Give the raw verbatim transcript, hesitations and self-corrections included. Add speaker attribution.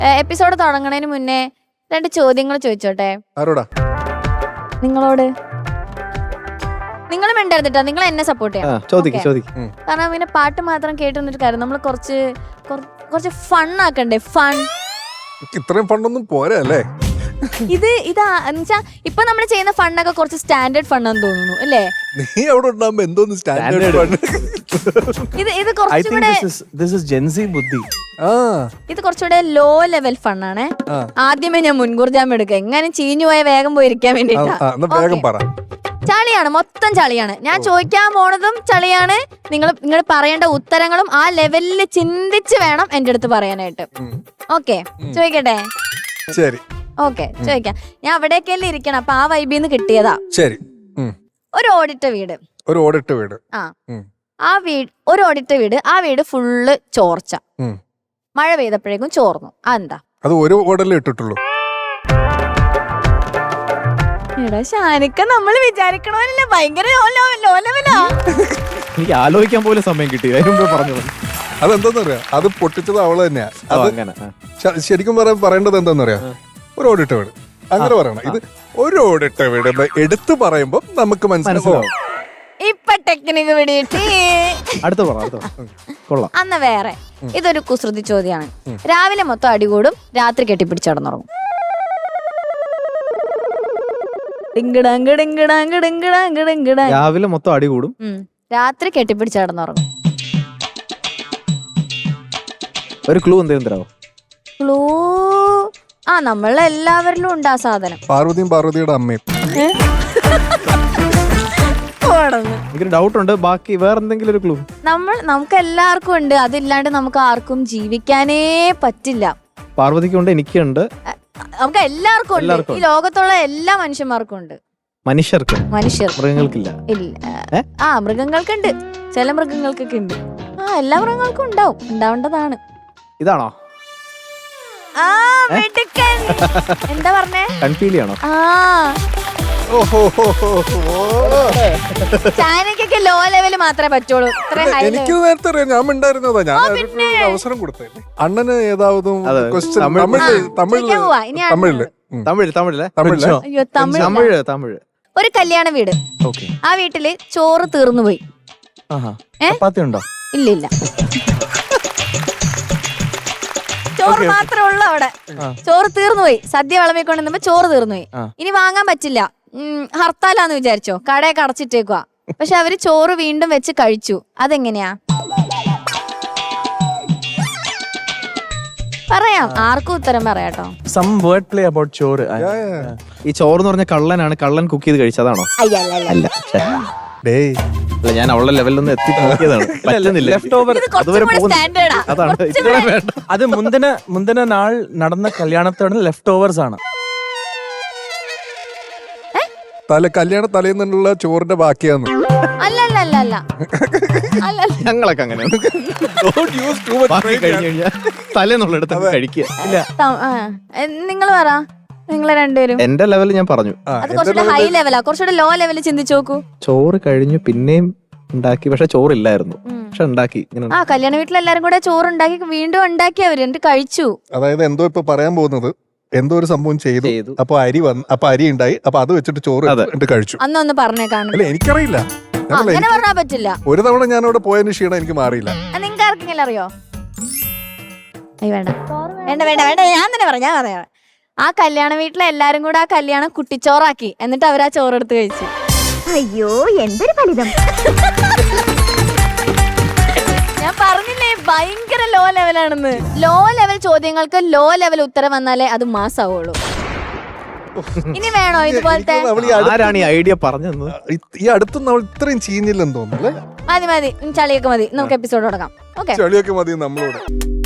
Speaker 1: Episode തുടങ്ങണതിന് മുന്നേ രണ്ട് ചോദ്യങ്ങൾ ചോദിച്ചോട്ടെ.
Speaker 2: ആരോടാ?
Speaker 1: നിങ്ങളോട്. നിങ്ങളും ഉണ്ടായിരുന്നിട്ടാ, നിങ്ങൾ എന്നെ സപ്പോർട്ട് ചെയ്യാം. കാരണം പിന്നെ പാട്ട് മാത്രം കേട്ട് നിന്നിട്ട് കാര്യം, നമ്മൾ കുറച്ച് കുറച്ച് ഫൺ ആക്കണ്ടേ? ഫൺ
Speaker 2: ഇത്രയും ഫണ്ടൊന്നും പോരാ അല്ലേ?
Speaker 1: ഇത് ഇതാ എന്നുവെച്ചാ ഇപ്പൊ നമ്മൾ ചെയ്യുന്ന ഫണ്ടൊക്കെ കുറച്ച് സ്റ്റാൻഡേർഡ് ഫണ്ടാന്ന് തോന്നുന്നു അല്ലേ?
Speaker 2: നീ അവിടെ ഉണ്ടാകുമ്പോ എന്തോന്ന് സ്റ്റാൻഡേർഡ് ഫണ്ട്?
Speaker 1: ഇത് ഇത് കുറച്ചുകൂടെ ഇത് കുറച്ചുകൂടെ ലോ ലെവൽ ഫണ്ണാണേ. ആദ്യമേ ഞാൻ മുൻകൂർ ജാമ്യം എടുക്കുക, എങ്ങനെ ചീഞ്ഞു പോയ വേഗം പോയിരിക്കാൻ വേണ്ടിട്ടാ. ചളിയാണ്, മൊത്തം ചളിയാണ്. ഞാൻ ചോദിക്കാൻ പോണതും ചളിയാണ്. നിങ്ങൾ നിങ്ങൾ പറയേണ്ട ഉത്തരങ്ങളും ആ ലെവലിൽ ചിന്തിച്ച് വേണം എന്റെ അടുത്ത് പറയാനായിട്ട്. ഓക്കെ, ചോദിക്കട്ടെ?
Speaker 2: ശരി,
Speaker 1: ഓക്കെ, ചോദിക്കാം. ഞാൻ അവിടേക്കല്ലേ ഇരിക്കണം, അപ്പൊ ആ വൈബിന്ന് കിട്ടിയതാ.
Speaker 2: ശരി.
Speaker 1: ഒരു ഓടിട്ട വീട്.
Speaker 2: ഒരു ഓടിട്ട വീട്.
Speaker 1: ആ ആ വീട് ഒരു ഓടിട്ട വീട്. ആ വീട് ഫുള്ള് ചോർച്ച. മഴ പെയ്തപ്പോഴേക്കും ചോർന്നു. അതെന്താ?
Speaker 2: അത് ഒരു ഓടല്ലേ ഇട്ടിട്ടുള്ളൂ.
Speaker 1: എടാ ഷാനിക്ക, നമ്മൾ വിചാരിക്കണമല്ലേ, ഭയങ്കര ലോ ലെവലാ.
Speaker 3: എനിക്ക് ആലോചിക്കാൻ പോലും സമയം കിട്ടി.
Speaker 2: അതെന്താന്നറിയാ, അത് പൊട്ടിച്ചത് അവള് തന്നെയാ. ശരിക്കും പറയാൻ പറയേണ്ടത് എന്താന്നറിയാ, ഒരു ഓടിട്ട വീട് അങ്ങനെ പറയണം. ഇത് ഒരു ഓടിട്ട വീട് എടുത്തു പറയുമ്പോ നമുക്ക് മനസ്സിലാവും.
Speaker 1: ഇപ്പൊ ടെക്നിക്ക് പിടിയിട്ടേ.
Speaker 3: അടുത്ത കൊള്ളാം.
Speaker 1: അന്ന് വേറെ ഇതൊരു കുസൃതി ചോദ്യമാണ്. രാവിലെ മൊത്തം അടികൂടും, രാത്രി കെട്ടിപ്പിടിച്ചടന്നുറങ്ങും.
Speaker 3: രാവിലെ മൊത്തം അടികൂടും,
Speaker 1: രാത്രി കെട്ടിപ്പിടിച്ചടന്നുറങ്ങും.
Speaker 3: ഒരു ക്ലൂ എന്തെങ്കിലും തരാമോ?
Speaker 1: ക്ലൂ ആ നമ്മളെല്ലാവരിലും ഉണ്ട് ആ സാധനം.
Speaker 2: പാർവതിയും പാർവതിയുടെ അമ്മയും.
Speaker 3: എനിക്കൊരു ഡൗട്ട് ഉണ്ട്, ബാക്കി വേറെ എന്തെങ്കിലും ഒരു ക്ലൂ?
Speaker 1: നമ്മൾ നമുക്ക് എല്ലാവർക്കും ഉണ്ട്, അതില്ലാണ്ട് നമുക്ക് ആർക്കും ജീവിക്കാനേ പറ്റില്ല.
Speaker 3: പാർവതിക്കുണ്ട്, എനിക്കുണ്ട്,
Speaker 1: നമുക്ക് എല്ലാവർക്കും ഉണ്ട്. ഈ ലോകത്തുള്ള എല്ലാ മനുഷ്യന്മാർക്കും ഉണ്ട്.
Speaker 3: മനുഷ്യർക്ക്? മനുഷ്യർ, മൃഗങ്ങൾക്കില്ല.
Speaker 1: ഇല്ല. ആ മൃഗങ്ങൾക്കുണ്ട്, ചില മൃഗങ്ങൾക്കൊക്കെ ഉണ്ട്. ആ എല്ലാ മൃഗങ്ങൾക്കും ഉണ്ടാവും, ഉണ്ടാവേണ്ടതാണ്.
Speaker 3: ഇതാണോ?
Speaker 1: ആ മിടുക്കൻ. എന്താ പറഞ്ഞേ?
Speaker 3: കൺപീലിയാണോ?
Speaker 1: ആ ചാനക്കൊക്കെ ലോ ലെവല് മാത്രമേ പറ്റുള്ളൂ.
Speaker 2: എനിക്ക് നേരത്തെ അറിയാം, ഞാൻ ഉണ്ടായിരുന്നതാ. ഞാൻ അവസരം കൊടുത്തേ. അണ്ണന് ഏതാവതും തമിഴില്
Speaker 3: തമിഴ് തമിഴില്
Speaker 1: അയ്യോ തമിഴ്
Speaker 3: തമിഴ് തമിഴ്
Speaker 1: ഒരു കല്യാണ വീട്. ആ വീട്ടില് ചോറ് തീർന്നു പോയി.
Speaker 3: ഉണ്ടോ?
Speaker 1: ഇല്ല ഇല്ല, ചോറ് മാത്രമേ ഉള്ളൂ അവിടെ. ചോറ് തീർന്നു പോയി. സദ്യ വിളമ്പിക്കൊണ്ടിരുന്നപ്പോ ചോറ് തീർന്നു പോയി. ഇനി വാങ്ങാൻ പറ്റില്ല, ഹർത്താലാന്ന് വിചാരിച്ചോ, കടയൊക്കെ അടച്ചിട്ടേക്കുക. പക്ഷെ അവര് ചോറ് വീണ്ടും വെച്ച് കഴിച്ചു. അതെങ്ങനെയാ? പറയാം, ആർക്കും ഉത്തരം പറയാട്ടോ.
Speaker 3: ചോറ്. ഈ ചോറ് എന്ന് പറഞ്ഞ കള്ളനാണ്, കള്ളൻ കുക്ക് ചെയ്ത് കഴിച്ചതാണോ? അല്ല, ഞാൻ അവളുടെ ലെവലിലൊന്നും എത്തി നോക്കിയതാണ്.
Speaker 4: അത് മുന്തിന മുന്തിന നാൾ നടന്ന കല്യാണത്തോടെ ലെഫ്റ്റ് ഓവേഴ്സ് ആണ്.
Speaker 2: തല കല്യാണ തലേന്നുള്ള ചോറിന്റെ ബാക്കിയാന്ന്.
Speaker 3: ഞങ്ങളൊക്കെ അങ്ങനെ തലേന്നുള്ളടത്ത് കഴിക്കുക.
Speaker 1: നിങ്ങൾ പറ, നിങ്ങളെ രണ്ടുപേരും.
Speaker 3: എന്റെ ലെവൽ ഞാൻ പറഞ്ഞു.
Speaker 1: അത് കുറച്ചുകൂടെ ഹൈ ലെവലാ, കുറച്ചുകൂടെ ലോ ലെവലിൽ ചിന്തിച്ചു നോക്കൂ.
Speaker 3: ചോറ് കഴിഞ്ഞു, പിന്നെയും ഉണ്ടാക്കി, പക്ഷെ ചോറില്ലായിരുന്നു, പക്ഷെ ഉണ്ടാക്കി.
Speaker 1: ആ കല്യാണ വീട്ടിൽ എല്ലാരും കൂടെ ചോറ് ഉണ്ടാക്കി വീണ്ടും ഉണ്ടാക്കി അവര്, എന്നിട്ട് കഴിച്ചു.
Speaker 2: അതായത് എന്തോ ഇപ്പൊ പറയാൻ പോകുന്നത്, എന്തോ ഒരു സംഭവം ചെയ്തു, അപ്പൊ അരി വന്നു, അപ്പൊ അരി ഉണ്ടായി, അപ്പൊ അത് വെച്ചിട്ട് ചോറ് കഴിച്ചു.
Speaker 1: അന്നൊന്ന് പറഞ്ഞേ കാണും.
Speaker 2: അല്ല എനിക്കറിയില്ല,
Speaker 1: അങ്ങനെ പറഞ്ഞാ പറ്റില്ല.
Speaker 2: ഒരു തവണ ഞാൻ അവിടെ പോയതിന് ക്ഷീണം എനിക്ക് മാറിയില്ല.
Speaker 1: നിങ്ങൾക്ക് ആർക്കെങ്കിലും അറിയോ? വേണ്ട വേണ്ട വേണ്ട വേണ്ട, ഞാൻ തന്നെ പറയാം, ഞാൻ പറയാം. ആ കല്യാണ വീട്ടിലെ എല്ലാരും കൂടെ ആ കല്യാണം കുട്ടിച്ചോറാക്കി, എന്നിട്ട് അവരാ ചോറെടുത്ത് കഴിച്ചു.
Speaker 5: അയ്യോ എന്തൊരു ഫലിതം.
Speaker 1: ഞാൻ പറഞ്ഞില്ലേ ഭയങ്കര ലോ ലെവലാണെന്ന്. ലോ ലെവൽ ചോദ്യങ്ങൾക്ക് ലോ ലെവൽ ഉത്തരം വന്നാലേ അത് മാസാവുള്ളൂ. ഇനി വേണോ ഇതുപോലത്തെ?
Speaker 3: ആരാണ് ഈ ഐഡിയ പറഞ്ഞത്?
Speaker 2: ഈ അടുത്ത് നമ്മൾ ഇത്രയും ചെയ്യുന്നില്ലെന്ന് തോന്നുന്നു.
Speaker 1: മതി മതി, ചളിയൊക്കെ മതി, നമുക്ക് എപ്പിസോഡ് തുടങ്ങാം. ഓക്കെ,
Speaker 2: ചളിയൊക്കെ മതി നമ്മളോട്.